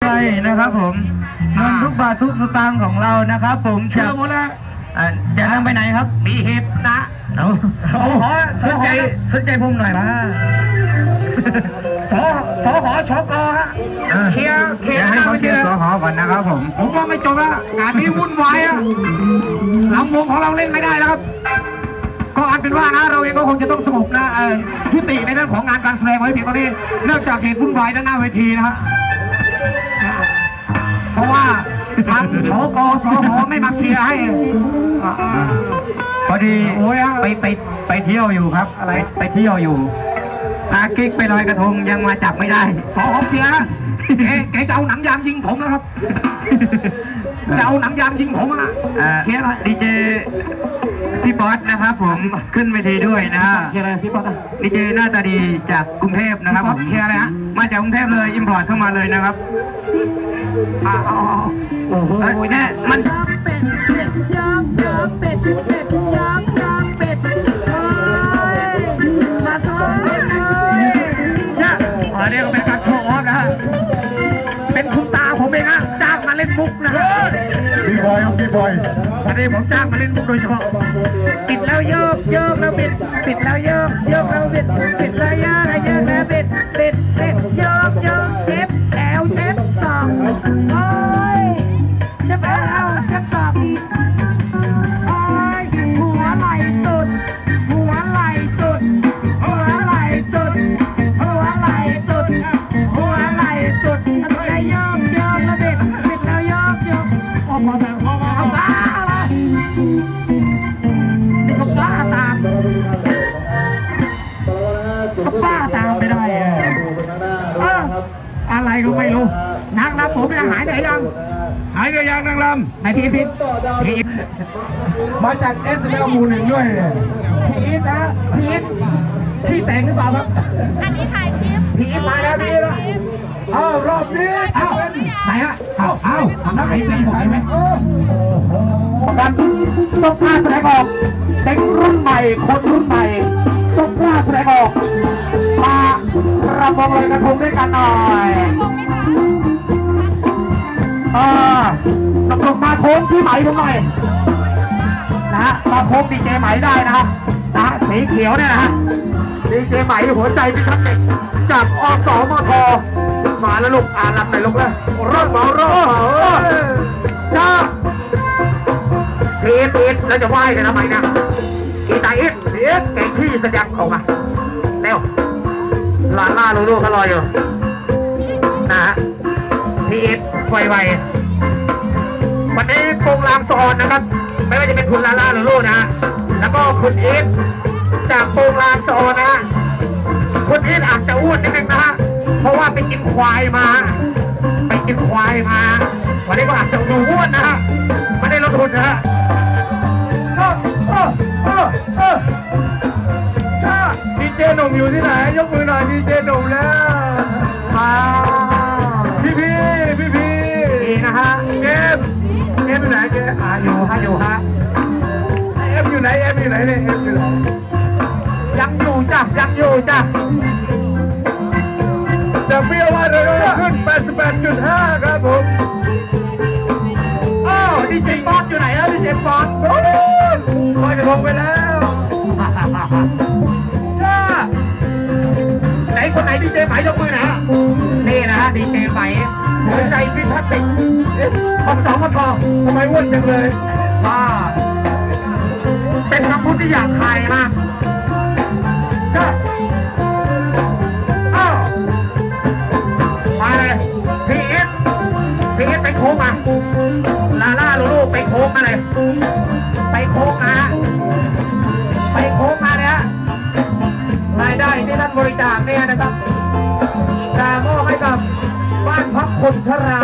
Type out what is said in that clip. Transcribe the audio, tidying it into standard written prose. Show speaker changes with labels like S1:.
S1: ใช่นะครับผมเงินทุกบาททุกสตางค์ของเรานะครับผมจะหมดแล้วจะนั่งไปไหนครับมีเหตุนะสนใจผมหน่อยนะสหชกฮะเคลียร์ให้เขาเคลียร์สหก่อนนะครับผมว่าไม่จบแล้วงานนี้วุ่นวายอะลำวงของเราเล่นไม่ได้แล้วครับก็อันเป็นว่านะเราเองก็คงจะต้องสงบนะยุติในเรื่องของงานการแสดงไว้เพียงตอนนี้เนื่องจากเหตุวุ่นวายด้านหน้าเวทีนะฮะเพราะว่าทางชกสหไม่มาเคลียร์ให้พอดีไปเที่ยวอยู่ครับไปเที่ยวอยู่พากิ๊กไปลอยกระทงยังมาจับไม่ได้สหเคลียร์แกจะเอาหนังยางยิงผมแล้วครับจะเอาหนังยางยิงผมอ่ะเคลียร์ดีเจพี่ป๊อตนะครับผมขึ้นเวทีด้วยนะเคลียร์อะไรพี่ป๊อตดีเจหน้าตาดีจากกรุงเทพนะครับผมเคลียร์อะไรฮะมาจากกรุงเทพเลยอิมพอร์ตเข้ามาเลยนะครับโอ้โหเนี่ยมันเป็ดย่างเป็ดย่างเป็ดมาซ้ายอันนี้ก็เป็นการโชว์ออฟนะฮะเป็นคุณตาผมเองฮะจ้างมาเล่นมุกนะฮะพี่บอยวันนี้ผมจ้างมาเล่นมุกโดยเฉพาะปิดแล้วโยกแล้วปิดแล้วโยกแล้วปิดแล้วโยกแล้วปิดโยกเจ็บแอวเจ็บสองโอ้ยจะไปเอาจะสอบโอ้ยหัวไหล่ตุดหัวไหล่ตุดหัวไหล่ตุดหัวไหล่ตุดหัวไหล่ตุดแล้วโยกแล้วปิดแล้วโยกโอ้โหเอาบ้าอะไรนี่ก็บ้าตามไม่ได้อะไรก็ไม่รู้นางรำผมเนี่ยหายไปยังนางรำไหนพี่มาจากเอสเอลหมู่หนึ่งด้วยพี่นะพี่แต่งหรือเปล่าครับอันนี้ถ่ายคลิปพี่มาแล้วพี่ละรอบนี้ไหนฮะนักไหนตีไหวไหมกันต้องกล้าแสดงออกเด็กรุ่นใหม่คนรุ่นใหม่ต้องกล้าแสดงออกมารำวงลอยกระทงด้วยกันหน่อยตกลงมาโค้งที่ไหมผมหน่อยนะฮะมาโค้งดีเจไหมได้นะฮะสีเขียวเนี่ยนะฮะดีเจไหมหัวใจพิทักษ์เด็กจากอสมทมาแล้วลูกลำไหนลูกเลยรอดจ้าพีทแล้วจะไหว้กันทำไมนะกีตาร์อิทแกงขี้แสดงออกมาเร็วล่าลูกเขารออยู่นะฮะพีทไววันนี้โปงลางซอนนะครับไม่ว่าจะเป็นคุณลาหรือลูกนะฮะแล้วก็คุณอีทจากโปงลางซอนนะฮะคุณอีทอาจจะอ้วนนิดนึงนะฮะเพราะว่าไปกินควายมาวันนี้ก็อาจจะดูอ้วนนะฮะไม่ได้ลดทุนนะฮะดีเจหนุ่มอยู่ที่ไหนยกมือหน่อยดีเจหนุ่มแล้วพี่นะฮะเกมอยู่ไหนเกมอยู่ฮะเอฟอยู่ไหนเนี่ยยังอยู่จ้ะจะเบี้ยวว่าเราขึ้น 88.5 ครับผมดีเจฟอนอยู่ไหนดีเจฟอนลอยกระทงไปแล้วจ้าไหนคนไหนดีเจไหมยกมือนะนี่นะดีเจไหมหัวใจพิทักษ์เด็กอสมททำไมอ้วนจังเลยเป็นคำพูดที่อยากทายนะจ้ามาเลยพีเอสไปโค้งมาล่าลูกไปโค้งมาเลยไปโค้งมาเนี่ยรายได้ที่รัฐบริจาคเนี่ยนะครับจะมอบให้กับบ้านพักคนชรา